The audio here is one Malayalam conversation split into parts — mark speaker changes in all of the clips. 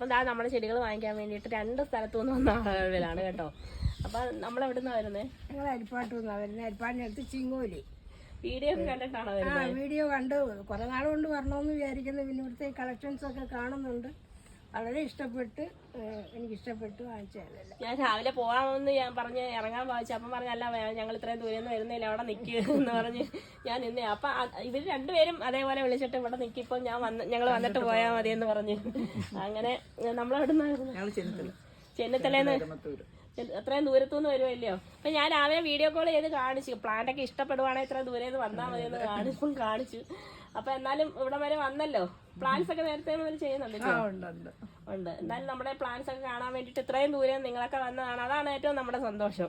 Speaker 1: അപ്പം നമ്മുടെ ചെടികൾ വാങ്ങിക്കാൻ വേണ്ടിയിട്ട് 2 സ്ഥലത്തു നിന്ന് വന്ന ആളുകളാണ് കേട്ടോ. അപ്പം നമ്മളെവിടെ നിന്നാണ് വരുന്നത്?
Speaker 2: ഞങ്ങൾ അരിപ്പാട്ട് നിന്നാണ് വരുന്നത്. അരിപ്പാടിനടുത്ത് ചിങ്ങോലി.
Speaker 1: വീഡിയോ ഒക്കെ കണ്ടിട്ടാണോ വരുന്നത്?
Speaker 2: വീഡിയോ കണ്ട് കുറേ നാൾ കൊണ്ട് വരണമെന്ന് വിചാരിക്കുന്നു. പിന്നെ ഇവിടുത്തെ കളക്ഷൻസൊക്കെ കാണുന്നുണ്ട്. വളരെ ഇഷ്ടപ്പെട്ട്, എനിക്കിഷ്ടപ്പെട്ടു, വാങ്ങിച്ചതല്ല.
Speaker 1: ഞാൻ രാവിലെ പോകാമെന്ന് ഞാൻ പറഞ്ഞ് ഇറങ്ങാൻ വായിച്ചു. അപ്പം പറഞ്ഞല്ല, ഞങ്ങൾ ഇത്രയും ദൂരം നിന്ന് വരുന്നില്ല, അവിടെ നിൽക്കുക എന്ന് പറഞ്ഞ് ഞാൻ നിന്നേ. അപ്പം ഇവർ രണ്ടുപേരും അതേപോലെ വിളിച്ചിട്ട് ഇവിടെ നിൽക്കിപ്പോൾ ഞങ്ങൾ വന്നിട്ട് പോയാൽ മതി എന്ന് പറഞ്ഞ് അങ്ങനെ നമ്മളെവിടെ നിന്നായിരുന്നു? ചെന്നിത്തലേന്ന്. എത്രയും ദൂരത്തുനിന്ന് വരുമല്ലോ. അപ്പം ഞാൻ രാവിലെ വീഡിയോ കോൾ ചെയ്ത് കാണിച്ചു. പ്ലാന്റൊക്കെ ഇഷ്ടപ്പെടുവാണെങ്കിൽ ഇത്രയും ദൂരെ നിന്ന് വന്നാൽ മതി എന്ന് കാണിച്ചു. അപ്പൊ എന്നാലും ഇവിടെ വരെ വന്നല്ലോ. പ്ലാൻസ് ഒക്കെ നേരത്തെ മുതൽ ചെയ്യുന്നുണ്ടല്ലോ. ഉണ്ട്. എന്തായാലും നമ്മുടെ പ്ലാൻസ് ഒക്കെ കാണാൻ വേണ്ടിട്ട് ഇത്രയും ദൂരം നിങ്ങളൊക്കെ വന്നതാണ്. അതാണ് ഏറ്റവും നമ്മുടെ സന്തോഷം.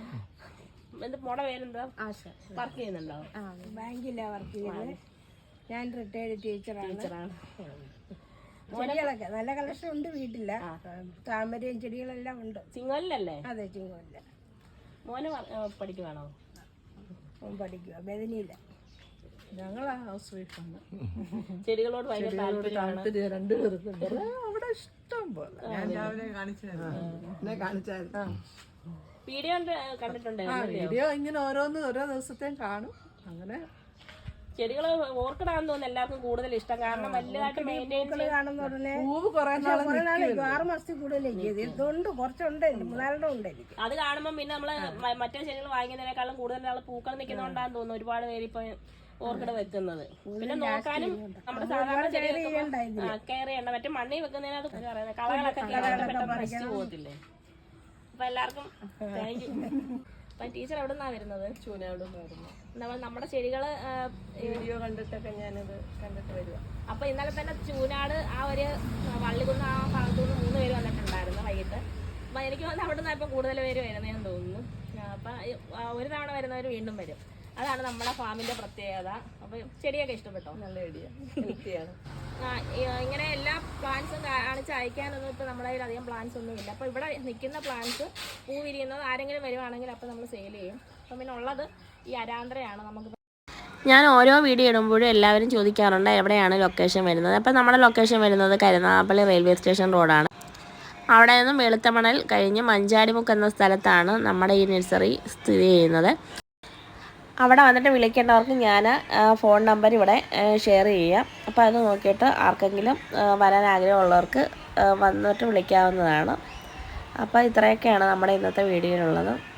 Speaker 1: മോടെ പേരെന്താ? വർക്ക് ചെയ്യുന്നുണ്ടോ?
Speaker 2: ബാങ്കിലാ വർക്ക് ചെയ്യുന്നത്. ഞാൻ റിട്ടയർഡ് ടീച്ചറാണ്. ചെടികളൊക്കെ നല്ല കളക്ഷൻ ഉണ്ട് വീട്ടില്ല. താമരയും ചെടികളെല്ലാം ഉണ്ട്.
Speaker 1: ചിങ്ങോലിലല്ലേ?
Speaker 2: അതെ, ചിങ്ങോലില്ല.
Speaker 1: മോനെ പഠിക്കുവാണോ?
Speaker 2: പഠിക്കുക ബദനിയില്ല.
Speaker 3: ഞങ്ങളാ ഹൗസ് വൈഫാണ്.
Speaker 1: ചെടികളോട് ഭയങ്കര
Speaker 3: താല്പര്യം രണ്ടുപേർക്കുണ്ട്. അവിടെ ഇഷ്ടം പോലെ. ഞാൻ രാവിലെ കാണിച്ചായിരുന്നു.
Speaker 1: വീഡിയോ കണ്ടിട്ടുണ്ട്.
Speaker 3: വീഡിയോ ഇങ്ങനെ ഓരോ ദിവസത്തെയും കാണും. അങ്ങനെ
Speaker 1: ചെടികള് ഓർക്കിഡാന്ന് തോന്നുന്നു എല്ലാവർക്കും കൂടുതൽ ഇഷ്ടം. കാരണം വലുതായിട്ട് മെയിൻറ്റെയിൻ
Speaker 2: കാണുന്ന ഉടനെ
Speaker 3: പൂവ് കുറെ
Speaker 2: 6 മാസത്തിൽ കൂടുതലേക്ക് ഇതുകൊണ്ട് കുറച്ചുണ്ട്, 3-4 ഉണ്ട് എനിക്ക്.
Speaker 1: അത് കാണുമ്പോൾ പിന്നെ നമ്മള് മറ്റേ ചെടികൾ വാങ്ങിക്കുന്നതിനേക്കാളും കൂടുതൽ ആള് പൂക്കൾ നിൽക്കുന്നതുകൊണ്ടാന്ന് തോന്നുന്നു ഒരുപാട് പേര് ഇപ്പൊ ഓർക്കിഡ് വെക്കുന്നത്. പിന്നെ നോക്കാനും നമ്മുടെ സാധാരണ ചെടികൾ കെയർ ചെയ്യണ്ട. മറ്റേ മണ്ണിൽ വെക്കുന്നതിനകത്ത് പറയുന്നത് കളകളൊക്കെ പെട്ടെന്ന് നശിച്ചു പോകത്തില്ലേ. അപ്പൊ എല്ലാവർക്കും താങ്ക് യു. അപ്പം ടീച്ചർ എവിടെ നിന്നാണ് വരുന്നത്?
Speaker 3: ചൂനാട് വരുന്നത്.
Speaker 1: നമ്മുടെ ചെടികള്
Speaker 3: വീഡിയോ കണ്ടിട്ടൊക്കെ ഞാനത് കണ്ടിട്ട് വരിക.
Speaker 1: അപ്പൊ ഇന്നലെ തന്നെ ചൂനാട് ആ ഒരു വള്ളികുന്ന് ആ ഭാഗത്തുനിന്ന് 3 പേര് വന്നിട്ടുണ്ടായിരുന്നു വൈകിട്ട്. അപ്പൊ എനിക്ക് തോന്നുന്നു അവിടെ നിന്ന് ഇപ്പം കൂടുതൽ പേര് വരുന്നതെന്ന് തോന്നുന്നു. അപ്പൊ ഒരു തവണ വരുന്നവർ വീണ്ടും വരും. അതാണ് നമ്മുടെ ഫാമിന്റെ പ്രത്യേകത. അപ്പൊ ചെടിയൊക്കെ ഇഷ്ടപ്പെട്ടോ?
Speaker 3: നല്ല ഐഡിയ, ഹെൽത്തിയാണ്.
Speaker 1: ഇങ്ങനെ എല്ലാ പ്ലാന്റ്സും കാണിച്ച് അയക്കാനൊന്നും ഇപ്പൊ നമ്മുടെ കയ്യിൽ അധികം പ്ലാന്റ്സ് ഒന്നും ഇല്ല. അപ്പൊ ഇവിടെ നിൽക്കുന്ന പ്ലാന്റ്സ് പൂ വിരിയുന്നത് ആരെങ്കിലും വരുവാണെങ്കിൽ അപ്പൊ നമ്മൾ സെയിൽ ചെയ്യും. അപ്പം പിന്നെ ഉള്ളത് ഈ അരാന്ത്രയാണ്. നമുക്ക് ഞാൻ ഓരോ വീഡിയോ ഇടുമ്പോഴും എല്ലാവരും ചോദിക്കാറുണ്ട് എവിടെയാണ് ലൊക്കേഷൻ വരുന്നത്. അപ്പം നമ്മുടെ ലൊക്കേഷൻ വരുന്നത് കരുനാഗപ്പള്ളി റെയിൽവേ സ്റ്റേഷൻ റോഡാണ്. അവിടെ നിന്നും വെളുത്തമണൽ കഴിഞ്ഞ് മഞ്ചാടിമുക്ക് എന്ന സ്ഥലത്താണ് നമ്മുടെ ഈ നഴ്സറി സ്ഥിതി ചെയ്യുന്നത്. അവിടെ വന്നിട്ട് വിളിക്കേണ്ടവർക്ക് ഞാൻ ഫോൺ നമ്പർ ഇവിടെ ഷെയർ ചെയ്യാം. അപ്പോൾ അത് നോക്കിയിട്ട് ആർക്കെങ്കിലും വരാൻ ആഗ്രഹമുള്ളവർക്ക് വന്നിട്ട് വിളിക്കാവുന്നതാണ്. അപ്പോൾ ഇത്രയൊക്കെയാണ് നമ്മുടെ ഇന്നത്തെ വീഡിയോയിലുള്ളത്.